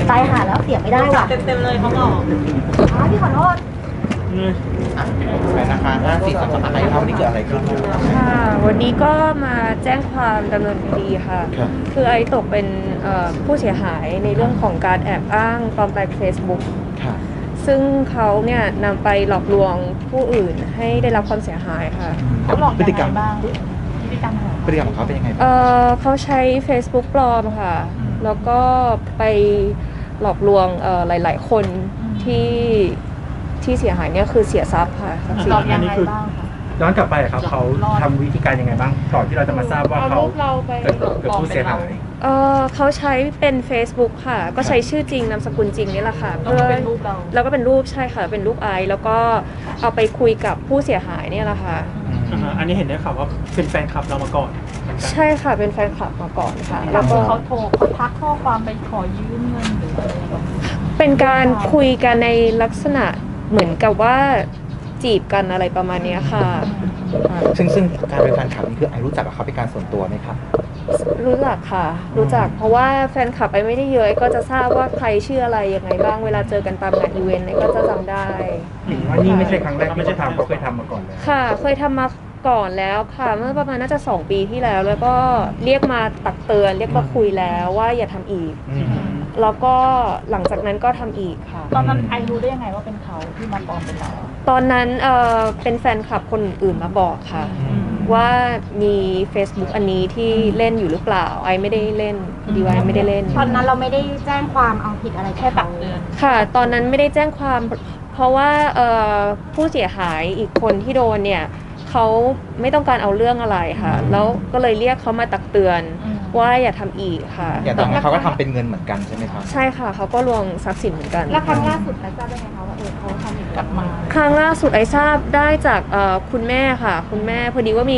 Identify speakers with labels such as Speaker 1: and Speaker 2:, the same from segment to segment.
Speaker 1: ตายหาแล้วเสียไม่ได้ว่ะ
Speaker 2: เต็มเลยเขาบอก
Speaker 1: พี่ขอโทษ
Speaker 3: ไปนะคะ5432อะไรครับวันนี้เกิดอะไรขึ้น
Speaker 4: ค่ะวันนี้ก็มาแจ้งความดำเนินคดีค่ะคือไอ้ตกเป็นผู้เสียหายในเรื่องของการแอบอ้างปลอมแปลง Facebook ซึ่งเขาเนี่ยนำไปหลอกลวงผู้อื่นให้ได้รับความเสียหายค่ะ
Speaker 2: เขาหลอกยังไงบ้างพฤติกรรม
Speaker 3: ของเขาเป็นยังไง
Speaker 4: เขาใช้ Facebook ปลอมค่ะแล้วก็ไปหลอกลวงหลายๆคนที่เสียหายเนี่ยคือเสียทรัพย์ค่ะ
Speaker 2: หลอกยังไงบ้างคะ
Speaker 5: ย้อนกลับไปครับเขาทำวิธีการยังไงบ้างก่อนที่เราจะมาทราบว่าเขาเป็นผู้เสียหาย
Speaker 4: เขาใช้เป็น Facebook ค่ะก็ใช้ชื่อจริงนามสกุลจริงนี่แหละค่ะเพื่อแล้วก็เป็นรูปใช่ค่ะเป็นรูปไอแล้วก็เอาไปคุยกับผู้เสียหายเนี่ยแหละค่ะ
Speaker 5: อันนี้เห็นได้ข่าวว่าเป็นแฟนคลับเรามาก่อน
Speaker 4: ใช่ค่ะเป็นแฟนคลับมาก่อนค่ะ
Speaker 2: แล้วก็เขาโทรเขาทักข้อความไปขอยืมเงินหรืออะไรแบบนี้
Speaker 4: เป็นการคุยกันในลักษณะเหมือนกับว่าจีบกันอะไรประมาณนี้ค่ะ
Speaker 3: ซึ่งการเป็นแฟนคลับนี่คือไอรู้จักกับเขาเป็นการส่วนตัวไหมครับ
Speaker 4: รู้จักค่ะรู้จักเพราะว่าแฟนคลับไอไม่ได้เยอะก็จะทราบว่าใครชื่ออะไรยังไงบ้างเวลาเจอกันตามงานอีเวนต์ก็จะจำได้
Speaker 5: ว่านี่ไม่ใช่ครั้งแรกไม่ใช่ทำเขาเคยทำมาก่อนแล้ว
Speaker 4: ค่ะเคยทำมาก่อนแล้วค่ะเมื่อประมาณน่าจะ2 ปีที่แล้วแล้วก็เรียกมาตักเตือนเรียกมาคุยแล้วว่าอย่าทำอีกแล้วก็หลังจากนั้นก็ทำอีกค่ะ
Speaker 2: ตอนนั้นไอรู้ได้ยังไงว่าเป็นเขาที่มาปลอมเป็นเรา
Speaker 4: ตอนนั้นเป็นแฟนคลับคนอื่นมาบอกค่ะว่ามี Facebook อันนี้ที่เล่นอยู่หรือเปล่าไอไม่ได้เล่นดีไว้ไม่ได้เล่น
Speaker 1: ตอนนั้นเราไม่ได้แจ้งความเอาผิดอะไรแค่ตักเตือน
Speaker 4: ค่ะตอนนั้นไม่ได้แจ้งความเพราะว่าผู้เสียหายอีกคนที่โดนเนี่ยเขาไม่ต้องการเอาเรื่องอะไรค่ะแล้วก็เลยเรียกเขามาตักเตือนว่าอย่าทำอีกค่ะ
Speaker 3: อย่างตอนนั้นเขาก็ทำเป็นเงินเหมือนกันใช่ไหมครับ
Speaker 4: ใช่ค่ะเขาก็ลวงทรัพย์สินเหมือนกัน
Speaker 1: แล้วครั้งล่าสุดไอทราบได้ไงคะว่าเขาทำอีกกลับมา
Speaker 4: ครั้งล่าสุดไอทราบได้จากคุณแม่ค่ะคุณแม่พอดีว่ามี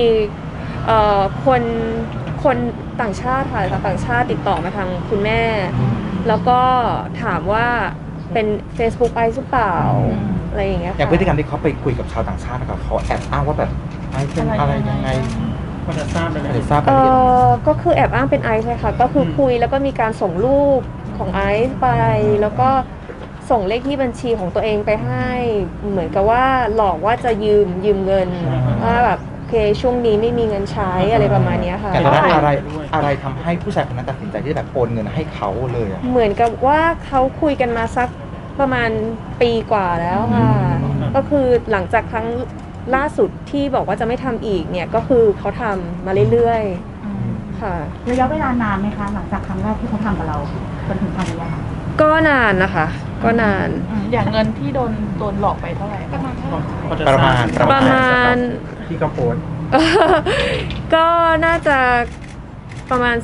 Speaker 4: คนต่างชาติค่ะต่างชาติติดต่อมาทางคุณแม่แล้วก็ถามว่าเป็น Facebook ไอหรือเปล่าอะไรอย่างเงี้ย
Speaker 3: อย่างพฤติกรรมที่เขาไปคุยกับชาวต่างชาตินะครับเขาแอบอ้างว่าแบบไอเป็นอะไรยังไง
Speaker 5: พอจะทราบได้ไหม
Speaker 4: ก็คือแอบอ้างเป็นไอซ์เลยค่ะก็คือคุยแล้วก็มีการส่งรูปของไอซ์ไปแล้วก็ส่งเลขที่บัญชีของตัวเองไปให้เหมือนกับว่าหลอกว่าจะยืมเงินว่าแบบโอเคช่วงนี้ไม่มีเงินใช้อะไรประมาณนี้ค่ะ
Speaker 3: แต่ตอนนั้นอะไรทำให้ผู้ชายคนนั้นตัดสินใจที่แบบโอนเงินให้เขาเลย
Speaker 4: เหมือนกับว่าเขาคุยกันมาสักประมาณปีกว่าแล้วค่ะก็คือหลังจากครั้งล่าสุดที่บอกว่าจะไม่ทำอีกเนี่ยก็คือเขาทำมาเรื่อยๆค่ะ
Speaker 1: ระยะเวลานานไหมคะหลังจากครั้งแรกที่เขาทำกับเราจนถึงครั้งนี้ค่ะ
Speaker 4: ก็นานนะคะก็นาน
Speaker 2: อย่างเงินที่โดนหลอกไปเท่าไหร่
Speaker 3: ประมาณ
Speaker 5: ที่เขาโพส
Speaker 4: ก็น่าจะประมาณ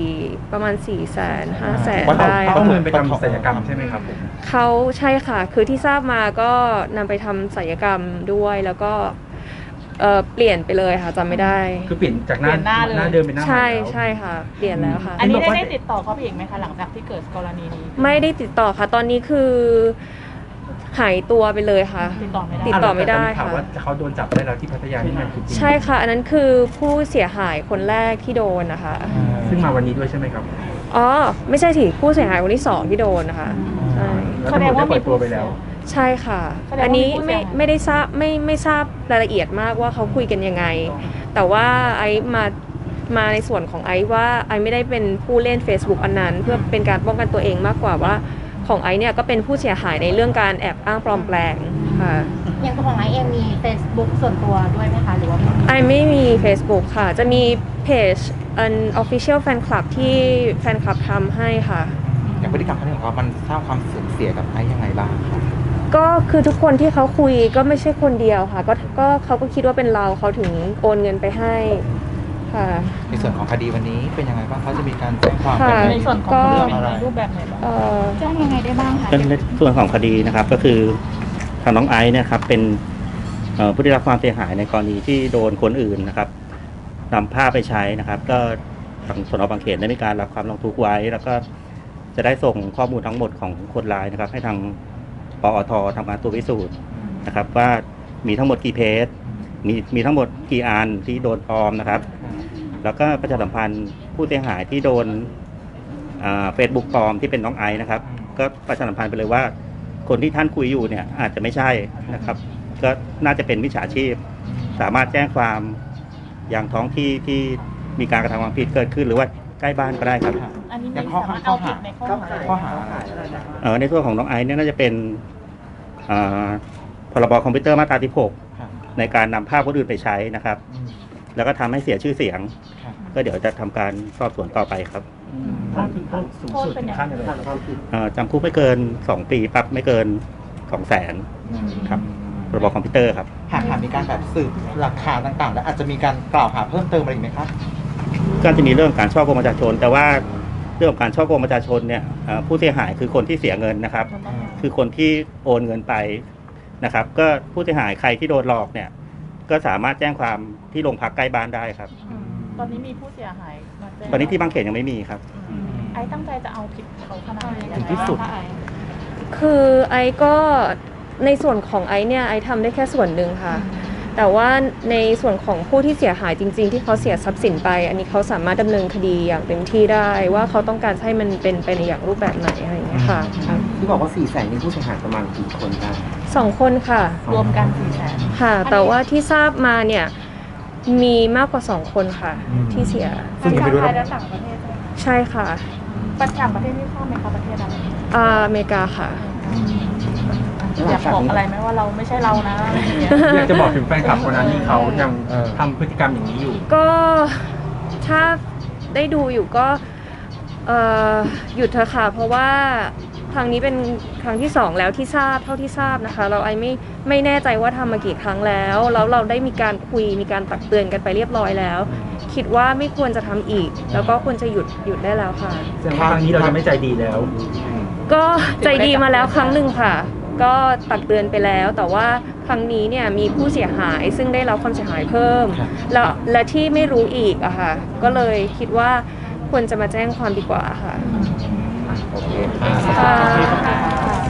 Speaker 4: 400,000 500,000ได้
Speaker 5: เอาเงินไปทำศัลยกรรมใช่ไหมครับผม
Speaker 4: เขาใช่ค่ะคือที่ทราบมาก็นำไปทำศัลยกรรมด้วยแล้วก็เปลี่ยนไปเลยค่ะจำไม่ได้
Speaker 5: คือเปลี่ยนจากหน้าเดิมเป็นหน้าใหม่
Speaker 4: ใช่ค่ะเปลี่ยนแล้วค่ะ
Speaker 2: อันนี้ได้ติดต่อเขาไปอีกไหมคะหลังจากที่เกิดกรณีนี้
Speaker 4: ไม่ได้ติดต่อค่ะตอนนี้คือหายตัวไปเลยค่ะติดต่อไม่ได้
Speaker 5: ค่ะว่าเขาโดนจับได้แล้วที่พัทยานี่มันคือจริง
Speaker 4: ใช่ค่ะอันนั้นคือผู้เสียหายคนแรกที่โดนนะคะ
Speaker 5: ซึ่งมาวันนี้ด้วยใช่ไหมครับ
Speaker 4: อ๋อไม่ใช่สิผู้เสียหายคนที่2ที่โดนนะคะใช่
Speaker 5: แสดงว่ามีตัวไปแล้ว
Speaker 4: ใช่ค่ะอันนี้ไม่ได้ทราบไม่ทราบรายละเอียดมากว่าเขาคุยกันยังไงแต่ว่าไอมาในส่วนของไอว่าไอไม่ได้เป็นผู้เล่น Facebook อันนั้นเพื่อเป็นการป้องกันตัวเองมากกว่าว่าของไอเนี่ยก็เป็นผู้เสียหายในเรื่องการแอบอ้างปลอมแปลงค่ะ
Speaker 1: อย่างตัวของไอเองมี Facebook ส่วนตัวด้วยไหมคะหรือว่า
Speaker 4: ไอไม่มี Facebook ค่ะจะมีเพจofficial fan club ที่แฟนคลับทำให้ค่ะ
Speaker 3: อย่างพฤติกรรมของเขามันสร้างความเสื่อมเสียกับไอยังไงบ้างครับ
Speaker 4: ก็คือทุกคนที่เขาคุยก็ไม่ใช่คนเดียวค่ะก็เขาก็คิดว่าเป็นเราเขาถึงโอนเงินไปให้ค่ะ
Speaker 3: ในส่วนของคดีวันนี้เป็นยังไงบ้างเขาจะมีการแจ้งความ
Speaker 2: ในส่วนของเรื่องอะไรรูปแบบไหนบ้างแจ้งยังไงได้บ้างคะ
Speaker 6: ในส่วนของคดีนะครับก็คือทางน้องไอซ์เนี่ยครับเป็นผู้ได้รับความเสียหายในกรณีที่โดนคนอื่นนะครับนำภาพไปใช้นะครับก็ทางสน.บางเขนได้มีการรับความร้องทุกข์ไว้แล้วก็จะได้ส่งข้อมูลทั้งหมดของคนร้ายนะครับให้ทางปอท.ทำการตรวจพิสูจน์นะครับว่ามีทั้งหมดกี่เพจมีทั้งหมดกี่อันที่โดนปลอมนะครับแล้วก็ประชาสัมพันธ์ผู้เสียหายที่โดนFacebook ปลอมที่เป็นน้องไอซ์นะครับก็ประชาสัมพันธ์ไปเลยว่า คนที่ท่านคุยอยู่เนี่ยอาจจะไม่ใช่นะครับ ก็น่าจะเป็นมิจฉาชีพ สามารถแจ้งความอย่างท้องที่ที่มีการกระทำความผิดเกิดขึ้นหรือว่าใกล้บ้านก็ได้ครับ
Speaker 2: อันนี้
Speaker 3: ยั
Speaker 2: ไม่
Speaker 3: งข้อ
Speaker 2: สามารถ
Speaker 3: ข้อ
Speaker 2: เอาผิ
Speaker 3: หา
Speaker 2: ดในข้อหา
Speaker 3: ข้อหา
Speaker 6: ในส่วนของน้องไอซ์เนี่ยน่าจะเป็นพรบคอมพิวเตอร์มาตราที่
Speaker 3: ครับ
Speaker 6: 6ในการนำภาพคนอื่นไปใช้นะครับ แล้วก็ทำให้เสียชื่อเสียง
Speaker 3: ครับ
Speaker 6: ก็เดี๋ยวจะทำการสอบสวนต่อไปครับ
Speaker 5: โทษสูงสุดถึงขั้นอะไรครับ
Speaker 6: จำคุกไม่เกิน 2 ปีปรับไม่เกิน 200,000 ครับพรบคอมพิวเตอร์ครับ
Speaker 3: หากมีการแบบสืบหลักฐานต่างๆ แล้วอาจจะมีการกล่าวหาเพิ่มเติมอะไรอีกไหมครับ
Speaker 6: ก็จะมีเรื่องการช่อโกงประชาชน แต่ว่าเรื่องของการช่อโกงประชาชนเนี่ยผู้เสียหายคือคนที่เสียเงินนะครับ คือคนที่โอนเงินไปนะครับ ก็ผู้เสียหายใครที่โดนหลอกเนี่ยก็สามารถแจ้งความที่โรงพักใกล้บ้านได้ครับ
Speaker 2: ตอนนี้มีผู้เสียหายมาแจ้ง
Speaker 6: ตอนนี้ที่บางเขนยังไม่มีครับ
Speaker 2: ไอ้ตั้งใจจะเอาผิดเขาขนาดไหน
Speaker 3: ถึงที่สุด
Speaker 4: คือไอก็ในส่วนของไอเนี่ยไอทำได้แค่ส่วนหนึ่งค่ะ แต่ว่าในส่วนของผู้ที่เสียหายจริงๆที่เขาเสียทรัพย์สินไป อันนี้เขาสามารถดำเนินคดีอย่างเต็มที่ได้ว่าเขาต้องการให้มันเป็นไปในอย่างรูปแบบไหนอะไรอย่างเงี้ยค่ะ
Speaker 7: ที่บอกว่า400,000นี่ผู้เสียหายประมาณกี่คนได้
Speaker 4: 2 คนค่ะ
Speaker 2: รวมกัน400,000
Speaker 4: ค่ะ แต่ว่าที่ทราบมาเนี่ยมีมากกว่า2 คนค่ะ ที่เสีย
Speaker 3: ซึ่งยังไม่รู้
Speaker 2: ไทย
Speaker 3: นะ
Speaker 2: และต่างประเทศ
Speaker 4: ใช่ค่ะ
Speaker 2: ต่างประเทศที่ทราบไหมคะประเทศอะไร
Speaker 4: อเมริกาค่ะ
Speaker 2: อยากบอกอะไรไหมว่าเราไม่ใช่เรานะอะไรอย่างเงี้ย
Speaker 5: อยากจะบอกถึงแฟนคลับคนนั้นที่เขายังทำพฤติกรรมอย่างนี้อยู่
Speaker 4: ก็ถ้าได้ดูอยู่ก็หยุดเถอะค่ะเพราะว่าครั้งนี้เป็นครั้งที่2แล้วที่ทราบเท่าที่ทราบนะคะเราไอไม่แน่ใจว่าทำมากี่ครั้งแล้วเราได้มีการคุยมีการตักเตือนกันไปเรียบร้อยแล้ว คิดว่าไม่ควรจะทำอีก แล้วก็ควรจะหยุดได้แล้วค่ะ
Speaker 5: แสดงว่าครั้งนี้เราจะไม่ใจดีแล้ว
Speaker 4: ก็ใจดีมาแล้วครั้งหนึ่งค่ะ ก็ตักเตือนไปแล้ว แต่ว่าครั้งนี้เนี่ยมีผู้เสียหายซึ่งได้รับความเสียหายเพิ่ม และที่ไม่รู้อีกอะค่ะ ก็เลยคิดว่าควรจะมาแจ้งความดีกว่าค่ะ
Speaker 3: โอเค
Speaker 4: ค่ะ